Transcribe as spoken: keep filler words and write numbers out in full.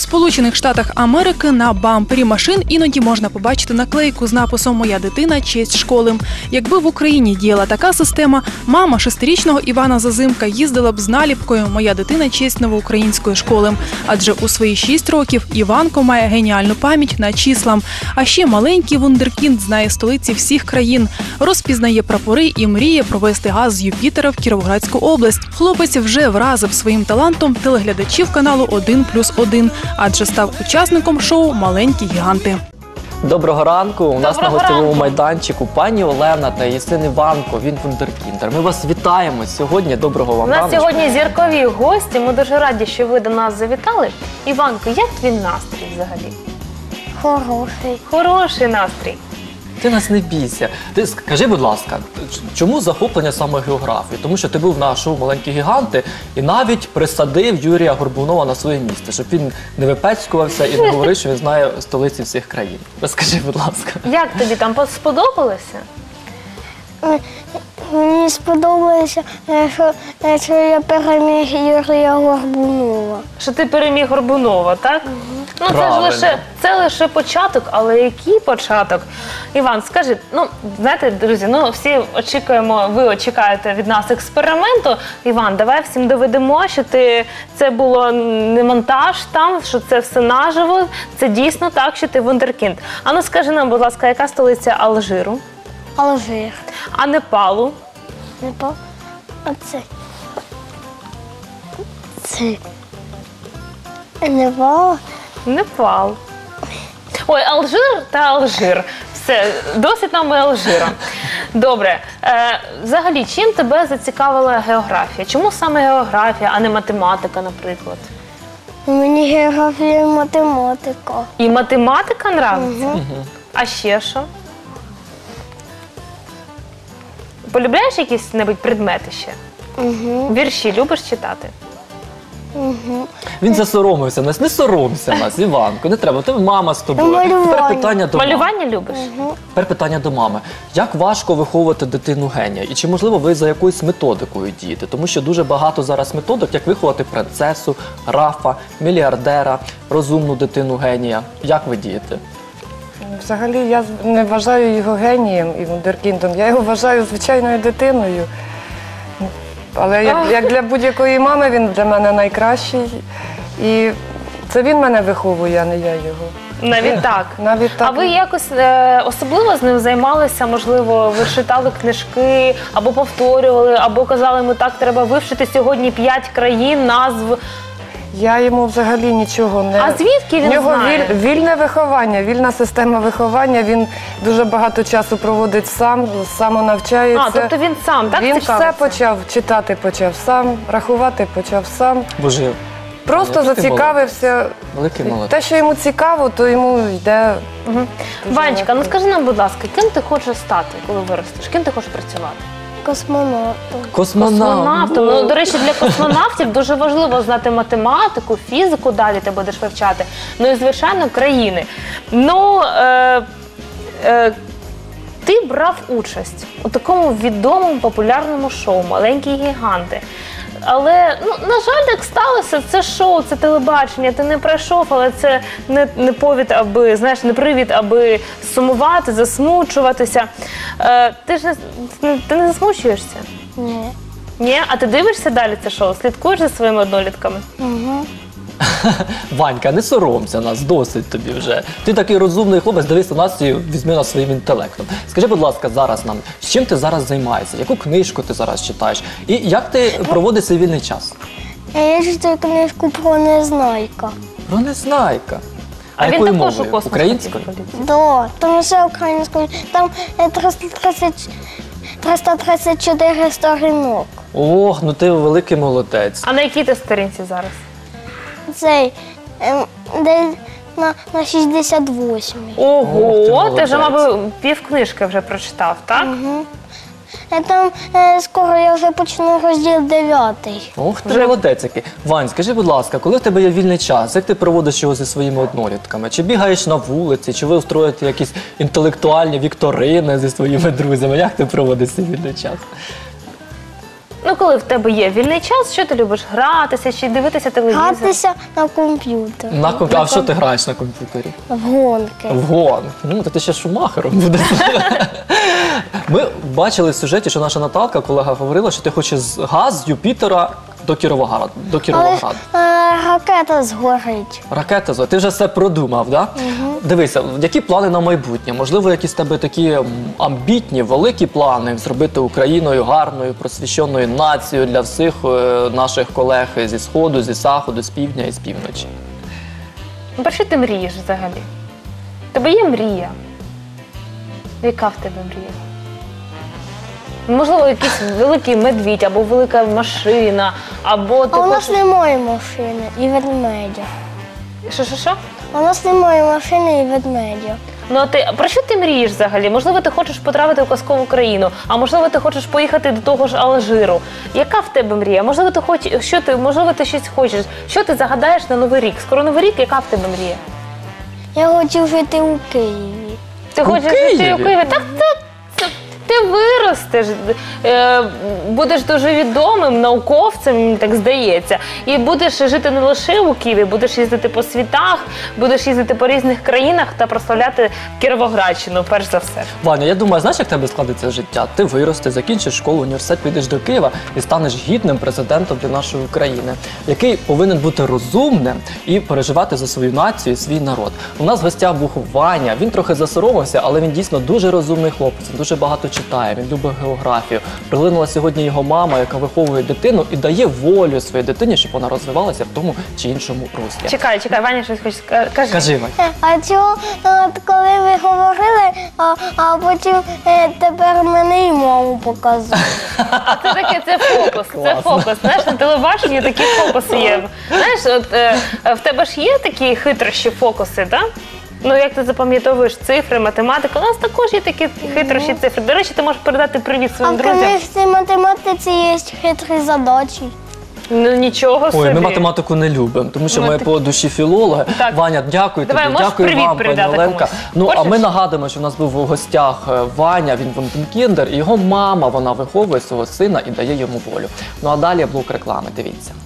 Сполучених Штатах Америки на бампері машин іноді можна побачити наклейку з написом «Моя дитина – честь школи». Якби в Україні діяла така система, мама шестирічного Івана Зазимка їздила б з наліпкою «Моя дитина – честь новоукраїнської школи». Адже у свої шість років Іванко має геніальну пам'ять на числа. А ще маленький вундеркінд знає столиці всіх країн, розпізнає прапори і мріє провести газ з Юпітера в Кіровоградську область. Хлопець вже вразив своїм талантом телеглядачів каналу один плюс один, адже став учасником шоу «Маленькі гіганти». Доброго ранку. У нас Доброго на гостєвому ранку. майданчику пані Олена та її син Іванко. Він вундеркіндер. Ми вас вітаємо сьогодні. Доброго вам У нас раночку. сьогодні зіркові гості. Ми дуже раді, що ви до нас завітали. Іванко, як твій настрій взагалі? Хороший. Хороший настрій. Ти нас не бійся. Ти скажи, будь ласка, чому захоплення саме географії? Тому що ти був на шоу «Маленькі гіганти» і навіть присадив Юрія Горбунова на своє місце, щоб він не випецькувався і не говорив, що він знає столиці всіх країн. Розкажи, будь ласка. Як тобі там сподобалося? Мені сподобалося, е, що, е, що я переміг Юрія Горбунова. Що ти переміг Горбунова, так? Ну, це ж Правильно. лише, це лише початок, але який початок? Іван, скажи, ну, знаєте, друзі, ну, всі очікуємо, ви очікуєте від нас експерименту. Іван, давай всім доведемо, що ти, це було не монтаж там, що це все наживо, це дійсно так, що ти вундеркінд. А ну, скажи нам, будь ласка, яка столиця Алжиру? Алжир. А Непалу? Не по... Оце. Це. Непал. Непал. Ой, Алжир та Алжир. Все, досить нам і Алжира. Добре. Е, взагалі, чим тебе зацікавила географія? Чому саме географія, а не математика, наприклад? Мені географія і математика. І математика нравиться? Угу. А ще що? Полюбляєш якісь-небудь предмети ще? Угу. Вірші любиш читати? Угу. Він засоромився нас. Не соромся нас, Іванко. Не треба. Ти мама з тобою. Малювання. Тепер питання до мами. Малювання любиш? Тепер питання до мами. Як важко виховувати дитину генія? І чи, можливо, ви за якоюсь методикою дієте? Тому що дуже багато зараз методик, як виховати принцесу, графа, мільярдера, розумну дитину генія. Як ви дієте? Взагалі, я не вважаю його генієм і вундеркіндом. Я його вважаю звичайною дитиною. Але як, як для будь-якої мами він для мене найкращий. І це він мене виховує, а не я його. Навіть так. Навіть так. А ви якось е, особливо з ним займалися? Можливо, ви читали книжки, або повторювали, або казали, ми так, треба вивчити сьогодні п'ять країн, назв. Я йому взагалі нічого не... А звідки він В нього знає? віль- вільне виховання, вільна система виховання. Він дуже багато часу проводить сам, самонавчається. А, тобто він сам, так, Він цікавиться? все почав, читати почав сам, рахувати почав сам. Боже, Просто який ти зацікавився. великий молодець. Те, що йому цікаво, то йому йде. Угу. Ванечка, ну скажи нам, будь ласка, ким ти хочеш стати, коли виростеш? Ким ти хочеш працювати? Космонавтом. Космонавт. Космонавтом. Ну, до речі, для космонавтів дуже важливо знати математику, фізику, далі ти будеш вивчати. Ну і, звичайно, країни. Ну, е, е, ти брав участь у такому відомому популярному шоу «Маленькі гіганти». Але, ну, на жаль, так сталося, це шоу, це телебачення, ти не пройшов, але це не, не повід, аби, знаєш, не привід, аби сумувати, засмучуватися. Е, ти ж не, ти не засмучуєшся? Ні. Ні? А ти дивишся далі це шоу? Слідкуєш за своїми однолітками? Угу. Ванька, не соромся нас, досить тобі вже. Ти такий розумний хлопець, дивись на нас і візьми нас своїм інтелектом. Скажи, будь ласка, зараз нам, з чим ти зараз займаєшся? Яку книжку ти зараз читаєш? І як ти проводиш свій вільний час? Я читаю книжку про Незнайка. Про Незнайка. А, А він якою також у мовою? космос Українською? хотів полетіти. Да, там все українською. Там е, триста тридцять, триста тридцять чотири сторінок. Ох, ну ти великий молодець. А на якій ти сторінці зараз? Цей, ем, де на, на шістдесят восьмій. Ого, Ох, ти ти вже, молодець. мабуть, пів книжки вже прочитав, так? Угу. Е, Там е, скоро я вже почну розділ дев'ятий. Ох, ти Вже- молодець який. Вань, скажи, будь ласка, коли в тебе є вільний час, як ти проводиш його зі своїми однолітками? Чи бігаєш на вулиці, чи ви устроїте якісь інтелектуальні вікторини зі своїми друзями? Як ти проводиш свій вільний час? Ну, коли в тебе є вільний час, що ти любиш? Гратися чи дивитися телевізор? Гратися на комп'ютер. На комп... А в що ти граєш на комп'ютері? В гонки. В гон. Ну, то ти ще шумахером будеш. Ми бачили в сюжеті, що наша Наталка, колега, говорила, що ти хочеш з газ з Юпітера до Кіровограда. До Але ж Кіровограда. е, ракета згорить. Ракета зо, ти вже все продумав, да? Дивися, які плани на майбутнє? Можливо, якісь в тебе такі м, амбітні, великі плани зробити Україною гарною, просвіщеною нацією для всіх е, наших колег зі Сходу, зі Заходу, з півдня і з півночі. Ну, про що ти мрієш взагалі? В тебе є мрія? Яка в тебе мрія? Можливо, якийсь великий медвідь, або велика машина, або ти А у нас хочеш... немає машини і ведмедя. Що, що, що? А у нас немає машини і ведмедя. Ну, а ти, про що ти мрієш взагалі? Можливо, ти хочеш потрапити в казкову країну, а можливо, ти хочеш поїхати до того ж Алжиру. Яка в тебе мрія? Можливо, ти хоч, що ти, можливо, ти щось хочеш. Що ти загадаєш на Новий рік? Скоро Новий рік, яка в тебе мрія? Я хочу жити у Києві. Ти У хочеш жити Києві? у Києві? Так це, це ти виростеш, е, будеш дуже відомим науковцем, мені так здається. І будеш жити не лише у Києві, будеш їздити по світах, будеш їздити по різних країнах та прославляти Кіровоградщину, перш за все. Ваня, я думаю, знаєш, як в тебе складеться життя? Ти виростеш, закінчиш школу, університет, підеш до Києва і станеш гідним президентом для нашої України, який повинен бути розумним і переживати за свою націю і свій народ. У нас в гостях був Ваня, він трохи засоромився, але він дійсно дуже розумний хлопець, він дуже багато читає, він любить географію. Приглинула сьогодні його мама, яка виховує дитину і дає волю своїй дитині, щоб вона розвивалася в тому чи іншому руслі. Чекай, чекай, Ваня щось хоче сказати. Кажи. Кажи, Вань. Е, А чого, от коли ви говорили, а, а потім е, тепер мене і маму показують. Це таке, це фокус, це Класно. фокус. Знаєш, на телебаченні такі фокуси є. Знаєш, от е, в тебе ж є такі хитрощі фокуси, так? Ну, як ти запам'ятовуєш цифри, математику, у нас також є такі хитрощі цифри. До речі, ти можеш передати привіт А своїм в друзям. книжці математиці є хитрі задачі. Ну, нічого собі. Ой, ми математику не любимо, тому що Ми ми так- по душі філологи. Так. Ваня, дякую Давай, тобі, можеш дякую привіт вам, пані передати Оленка. комусь? Ну, а Хочеш? ми нагадуємо, що в нас був у гостях е, Ваня, він вундеркіндер, і його мама, вона виховує свого сина і дає йому волю. Ну, а далі блок реклами, дивіться.